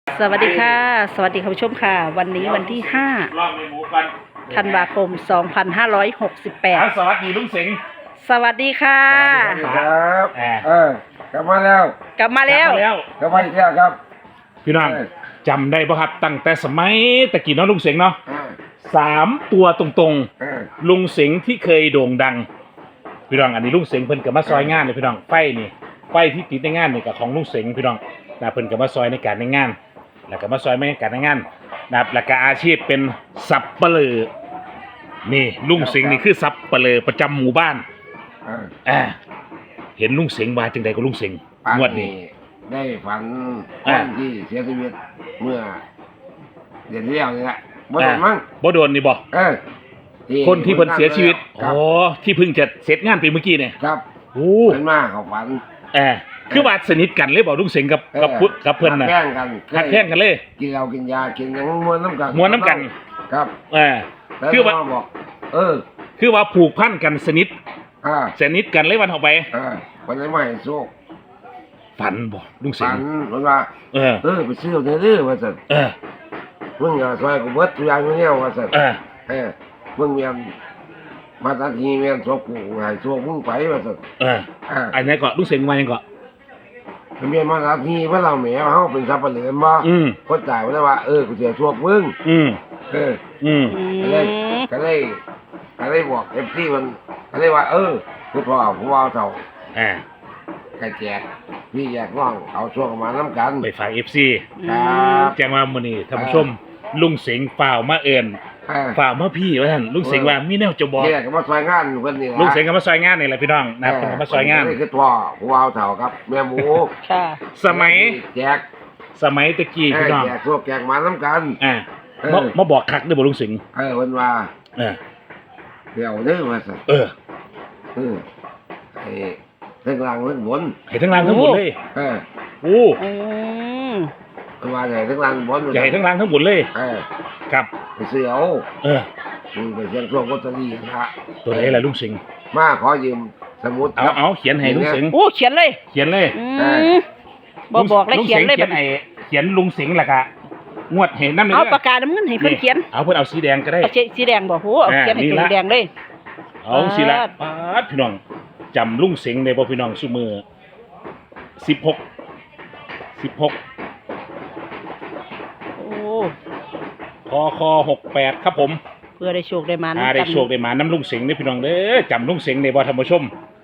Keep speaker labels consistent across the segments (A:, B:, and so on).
A: สวัสดีค่ะสวัสดีคุณผู้ชมค่ะวันนี้วันที่5ธันวาคม2568
B: สวัสดีลุงสิงห์
A: สวัสดีค่ะ
C: สวัสดีครับกลับมาแล้ว
A: กลับมาแล้ว
C: กลับมาอีกแล้วครับ
B: พี่น้องจำได้ป่ะครับตั้งแต่สมัยตะกี้เนาะลุงสิงห์เนาะ3 ตัวตรงๆลุงสิงห์ที่เคยโด่งดังพี่น้องอันนี้ลุงสิงห์เพิ่นก็มาซอยงานเลยพี่น้องไฟที่ติดในงานนี่ก็ของลุงสิงห์พี่น้องนะเพิ่นก็มาซอยในการในงานแล้วก็มาซอยในการในงานนะครับแล้วก็อาชีพเป็นสับปะเลอนี่ลุงสิงห์นี่คือสับปะเลอประจำหมู่บ้านเห็นลุงสิงห์มาจังใดก็ลุงสิงห์งวดนี้
C: ได้ฝันคนที่เสียชีวิตเมื่อเดือนที่แล้วนี่แหละบ่โดนมั้ง
B: บ่โดนนี่บ่คนที่เพิ่นเสียชีวิตอ๋อที่เพิ่งจะเสร็จงานไปเมื่อกี้เนี่ย
C: ครับ
B: โอ้
C: เพิ่นมาเขาฝัน
B: คือว่าสนิทกันเลยบ่ลุงสิงห์กับเพิ่นน่ะ
C: แข่งกัน
B: แข่งกันเลย
C: กินเหล้ากินยากินหยังม้วนน้ำกันครับ
B: คือว่า
C: บอก
B: คือว่าผูกพันกันสนิทกันเลยวันออกไป
C: วันไหนไม่โชค
B: ฝันบ่ลุงสิงห์
C: ฝันว่าไปซื้อเด้อว่าซั่นมึงอย่าซอยกูเบิดทุกอย่างอยู่แล้วว่าซั่นมึงเมียนมาตัดทีเมียนโชคกูให้โชคมึงไปว่าซั่น
B: อันนี้ก็ลุงสิงห์ว่ายังก็
C: เมียนมาตัดทีเพิ่นเราแหมเฮาเป็นสับปะเหลือบ่คนตายว่าว่ากูสิโชคมึงก็เลยบอก FC มันก็เลยว่าคือพ่อผู้ว่าเฒ่าแกแจกพี่แยกน้องเอาช่วงมาน้ำกัน
B: ไปฝาก FC
C: ครับ
B: แจ้งว่ามื้อนี้ท่านผู้ชมลุงสิงห์ฝ่าวมาเอิ้นฝ่าวมาพี่ว่าท่านลุงสิงห์ว่ามีแนวจะบอก
C: เนี่ยก็มาซอยงานเพิ่นนี่ล่ะ
B: ลุงสิงห์ก็มาซอยงานนี่แหละพี่น้องนะครับเพิ่นก็มาซอยงาน
C: นี่คือพ่อผู้ว่าเฒ่าครับแม่หมู
A: ค่ะ
B: สมัย
C: แจก
B: สมัยตะกี้พี่น้อง
C: แจกพวกแจกมาน้ำกัน
B: มาบอกคักเด้อบ่ลุงสิงห์
C: เพิ่นว่าเดี๋ยวเด้อว่าซั่นให้ทั้งล่างทั้งบน
B: ให้ทั้งล่างทั้งบนเลยโอ้
C: ว่าใหญ่ทั้งล่างบน
B: ใหญ่ทั้งล่างทั้งบนเลยครับ
C: ไปซื้อเอาไปเสี่ยงโชคลอตเตอรี่นะ
B: ตัวไหนล่ะลุงสิงห์
C: มาขอยืมสมุด
B: เอาเขียนให้ลุงสิงห์
A: เขียนเลยบอกแล้วเขียนเลย
B: เขียนลุงสิงห์ล่ะกะงวดเห็นน้ำ
A: เอาปากกาน้ำเงินให้เพิ่นเขียน
B: เอาเพิ่นเอาสีแดงก็ได้
A: สีแดงบ่โหเอาเขียนให้สีแดงเลย
B: เอาสิละพี่น้องจำลุงสิงห์ได้บ่พี่น้องซุมือ16คอ68ครับผม
A: เพื่อได้โชคได้มา
B: ได้โชคได้มาน้ำลุงสิงห์นี่พี่น้องเด้อจำลุงสิงห์ได้บ่ท่านผู้ชม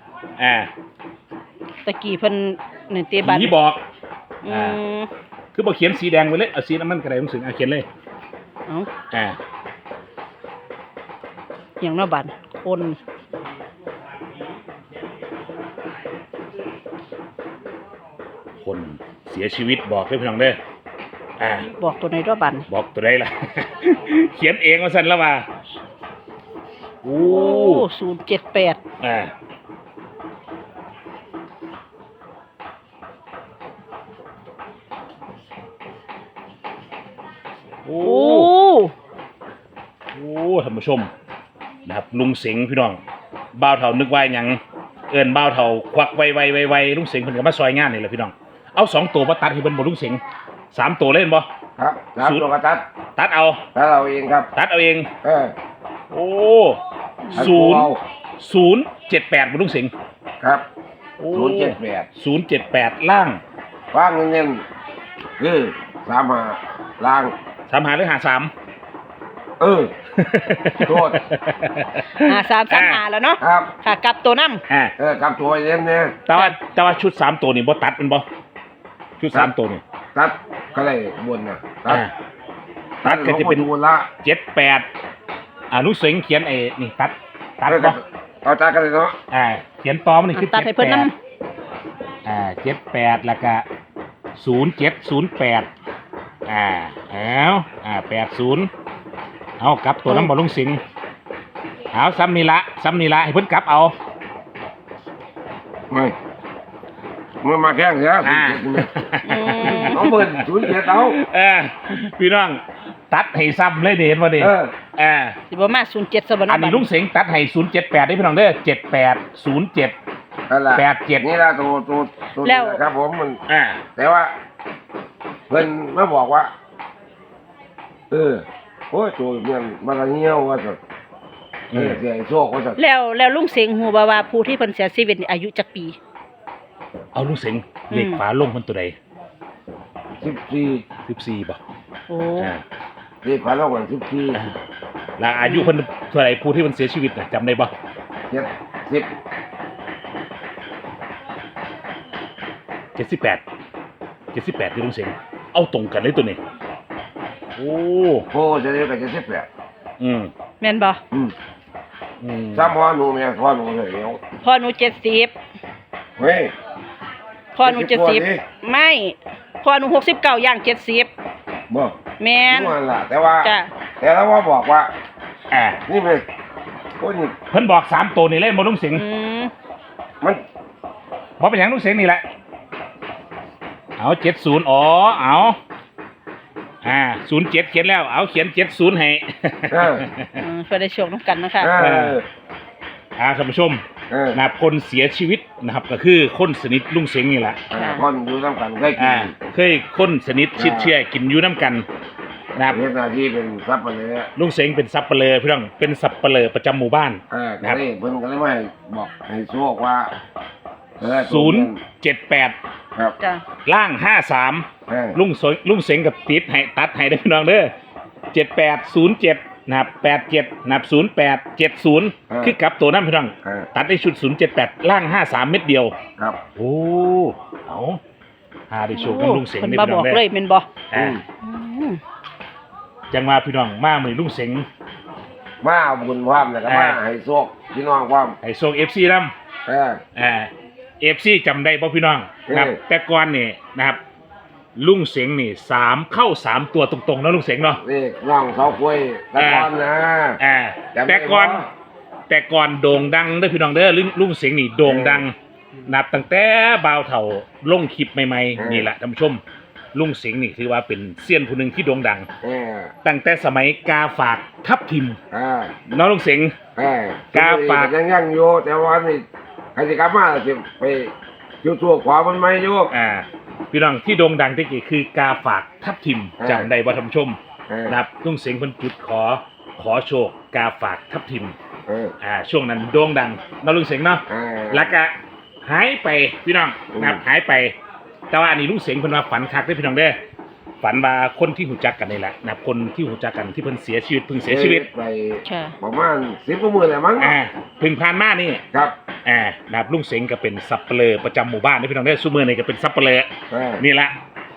A: ตะกี้เพิ่นนี่เตบัน
B: ผีบอกคือบ่เขียนสีแดงไว้เลยเอาสีน้ำมันก็ได้ลุงสิงห์เขียนเลย
A: อย่างน้อบัน
B: คนเสียชีวิตบอกเลยพี่น้องเด้อ
A: บอกตัวไหนด้วยบัน
B: บอกตัวไหนล่ะ เขียนเองว่าสั่นแล้วมา
A: 078
B: ท่านผู้ชมนะครับลุงสิงห์พี่น้องบ่าวเฒ่านึกว่าหยังเอิ้นบ่าวเฒ่าควักไวลุงสิงห์เพิ่นก็มาซอยงานนี่แหละพี่น้องเอา2 ตัวมาตัดให้เพิ่นบ่ลุงสิงห์3 ตัวเล่นบ่
C: ครับ3 ตัวก็
B: ตัดเอา
C: เองครับ
B: ตัดเอาเอง078บ่ลุงสิงห์
C: ครับ
B: 078ล่าง
C: เงินคือ35ล่าง
B: 35หรือ53
C: โทษ
A: 5335แล้วเนาะ
C: ครับ
A: ค่ะกลับตัวน้ำ
C: กลับตัวเย็นเนี่ย
B: แต่ว่าชุด3 ตัวนี่บ่ตัดมันบ่ชุด3 ตัวนี่
C: ตัดก็ได้บนนะ
B: ตัดก็จะเป็น78ลุงสิงห์เขียนนี่ตัดบ่
C: เอาตัดกันเลยเนาะ
B: เขียนต่อมันนี่คือ
A: ตัดให้เพิ่นนำ
B: 78แล้วก็070880เอากลับตัวน้ำบ่ลุงสิงห์เอาซ้ำนี่ละให้เพิ่นกลับเอา
C: ไม่เมื่อมาแข่งเสียเอาเปิด07เอา
B: พี่น้องตัดให้ซ้ำเลยเห็นบ่ดิ
A: สิบ่มา07ซะบ่
B: อันนี้ลุงสิงห์ตัดให้078ได้พี่น้องเด้อ7807
C: 87นี่ล่ะตัว
A: แล้ว
C: ครับผมมันแต่ว่าผพิ่นมาบอกว่าโอ้ยตัวเมียนมาละเหี่ยวว่าซั่นเสียโชคว่าซั่น
A: แล้วลุงเสงฮู้บ่ว่าผู้ที่เพิ่นเสียชีวิตนี่อายุจักปี
B: เอาลุงเสงเลขฝาลงมันตัวใด
C: 14
B: 14บ่
A: โอ้
B: อ่า
C: เลขพันละวัน14
B: แล้วอายุเพิ่นเท่าไหร่ผู้ที่มันเสียชีวิตน่ะจำได้บ่
C: 70
B: 78ที่ลุงเสงเอาตรงกันเลยตัวนี้โอ้
C: โพจะได้ก็78
B: อืม
A: แม่นบ่
C: อืม
B: อืม
C: ซ้ำพ่อหนูแม่พ่อหนูเลยเดี๋ยว
A: พ่อหนู70
C: เฮ้ย
A: พ่อหนู70ไม่พ่อหนู69ย่าง70
C: บ่
A: แม่น
C: นั่นล่ะแต่ว่า
A: จ้ะ
C: แต่แล้วว่าบอกว่า
B: อ่า
C: นี่เป็นโอ้ยนี่
B: เพิ่นบอก3ตัวนี่เลยบ่ลุงเสง
A: อืม
C: มัน
B: บ่เป็นหยังลุงเสงนี่แหละเอา70อ๋อเอา07เขียนแล้วเอาเขียน70ให้
A: เพื่อได้โชคน้ำกันนะคะ
B: ท่านผู้ชม
C: นะ
B: นะครับคนเสียชีวิตนะครับก็คือคนสนิทลุงเสงนี่แหละ
C: คนอยู่น้ำกันเคยกิน
B: เคยคนสนิทชิดเชื่อกินอยู่น้ำกันนะครับ
C: เฮ็ดหน้าที่เป็นทรัพย์ไปเลย
B: ลุงเสงเป็นสับเปลือพี่น้องเป็นสับเปลือประจำหมู่บ้าน
C: ก็เลยเพิ่นก็เลยมาให้บอกให้โชคว่า
B: 078
C: ครับ
A: จ้ะ
B: ล่าง53ลุงเสงกับติดให้ตัดให้ได้พี่น้องเด้อ7807นะครับ87นะครับ0870คือกลับตัวนั้นพี่น้องตัดได้ชุด078ล่าง53เม็ดเดียว
C: ครับ
B: โอ้เอาหาได้โชคกับลุงเสง
A: เพิ่น
B: ได้
A: มา
B: พี่
A: บ
B: น้
A: อ
B: อก งเด้
A: เลยแม่นบ่
B: อ่า
A: อืม
B: จังว่าพี่น้องมามื้อลุงเสง
C: มาเอาบุญความแล้วก็มาให้โชคพี่น้องความ
B: ให้โชค FC นำ
C: เออ
B: FC จำได้ป่ะพี่น้องนะครับ แต่ก่อนนี่นะครับ ลุงเสงนี่เข้า3ตัวตรงๆเนาะลุงเสงเนาะ
C: นี่น้องเสาคุยตะกอนนะ จำได้
B: แต่ก่อนโด่งดังเด้อพี่น้องเด้อลุงเสงนี่โด่งดังนับตั้งแต่บ่าวเฒ่าลงคลิปใหม่ๆนี่แหละท่านผู้ชมลุงเสงนี่ถือว่าเป็นเซียนผู้หนึ่งที่โด่งดัง ตั้งแต่สมัยกาฝากทับทิมเนาะลุงเสง กาฝาก
C: ยังอยู่แต่ว่านี่ใครจะกลับมาจะไปจุดทั่วขวามันไม่โยก
B: พี่น้องที่โด่งดังที่กี่คือกาฝากทับทิมจำได้บ่ท่านผู้ชม นะครับลุงเสงเพิ่นจุดขอโชคกาฝากทับทิมช่วงนั้นโด่งดังเนาะลุงเสงเนาะแล้วก็หายไปพี่น้องนะครับหายไป แต่ว่าอันนี้ลุงเสงเพิ่นว่าฝันคักเด้อพี่น้องเด้อฝันว่าคนที่หูจักกันนี่แหละนะครับคนที่หูจักกันที่เพิ่นเสียชีวิตเพิ่งเสียชีวิต
C: ไป
A: ค่ะ
C: ประมาณ10 กว่ามื้อแล้วมั้ง
B: เพิ่งผ่านมานี่
C: ครับ
B: นะครับลุงเสงก็เป็นสับเปลือประจำหมู่บ้านนี่พี่น้องเด้อซุมื้อนี่ก็เป็นสับเปลือนี่แหละ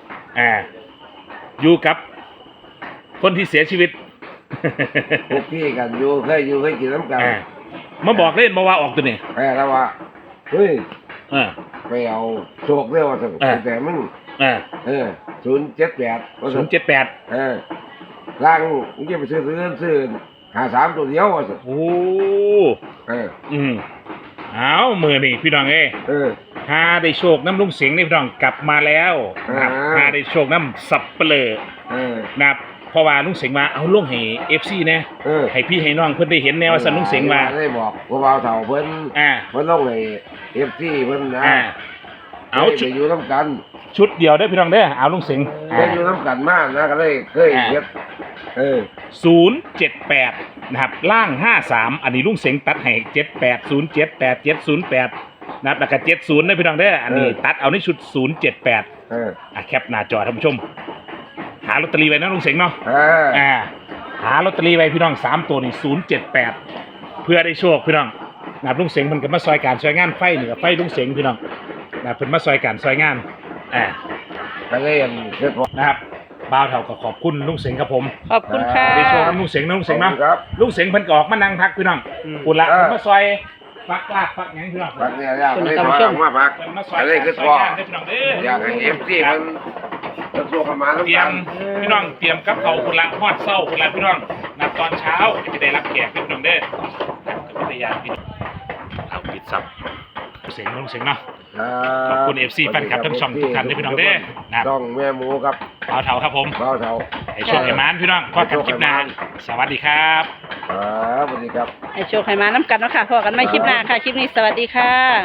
B: อยู่กับคนที่เสียชีวิต
C: พวกพี่กันอยู่เคยกินน้ำกัน
B: มาบอกเล่นมาว่าออกตัวนี่
C: แล้วว่าเฮ้ย
B: เออ
C: ไปเอาโชคเรียกว่าแต่มึง078ว่า
B: 078
C: ล่างมึงจะไปซื้อ53ตัวเดียวว่าซั่น
B: โอ้
C: เออ
B: เอามือนี่พี่น้องหาได้โชคน้ำลุงเสียงนี่พี่น้องกลับมาแล้วนะครับหาได้โชคน้ำสับเปลือนะครับเพราะว่าลุงเสียงมาเอาลุงให้ FC นะให้พี่ให้น้องเพิ่นได้เห็นแนวว่าสันลุงเสียงมา
C: ได้บอกว่าบ่าวเฒ่าเพิ่นลงให้ FC เพิ่นนะ
B: เอา
C: ไปอยู่น้ำกัน
B: ชุดเดียวได้อพี่น้องเด้อเอาลุงเสียง
C: ไปอยู่น้ำกันมากนะก็เลยเคยเฮ็ด
B: 078นะครับล่าง53อันนี้ลุงเสียงตัดให้78078708นะครับแล้วก็70นะพี่น้องเด้ออันนี้ตัดเอาในชุด078แคปหน้าจอท่านผู้ชมหาลอตเตอรี่ไว้นะลุงเสียงเนาะหาลอตเตอรี่ไว้พี่น้อง3ตัวนี่078เพื่อได้โชคพี่น้องนะครับลุงเสียงมันก็มาซอยการซอยงานไฟเหนือไฟลุงเสียงพี่น้องนะเพิ่นมาซอยการซอยงาน
C: ก็เลยเฮ็ด
B: นะครับบ่าวเฒ่าก็ขอบคุณลุงเสียงครับผม
A: ขอบคุณค่ะ
B: ได้โชคน้ำลุงเสียงนะลุงเสียงเนาะ
C: ครับ
B: ลุงเสียงเพิ่นก็ออกมานั่งพักพี่น้องปุ่นละมาซอยฟักลากฟักหยังพี่น้อง
C: พักเนี่ยอยากให้มาพัก
B: เพิ่นมาซอย
C: อะไรคือ
B: ซอย
C: พ่อง
B: านได้พี่น้องเด้อ
C: อยากให้ FC มันจะสู้กันมา
B: เตรียมพี่น้องเตรียมกับเขาวพุ่นละฮอดเช้าพุ่นละพี่น้องนับตอนเช้าจะได้รับแขกพี่น้องเด้อกับภรรยาพี่น้องเอาปิดซับเสียงลุงเสียงเนาะขอบคุณ FC แฟนคลับทั้งช่องทุกท่านด้วยพี่น้องเด้อนะครับ
C: ช่องแม่หมูครับ
B: บ่าวเฒ่าครับผม
C: บ่าวเฒ่า
B: ให้โชคให้มานพี่น้องพบกันคลิปหน้าสวัสดีครับ
C: สวัสดีครับ
A: ให้โชคให้มาน้ำกันเนาะค่ะพอกันไม่คลิปหน้าค่ะ คลิปนี้สวัสดีค่ะ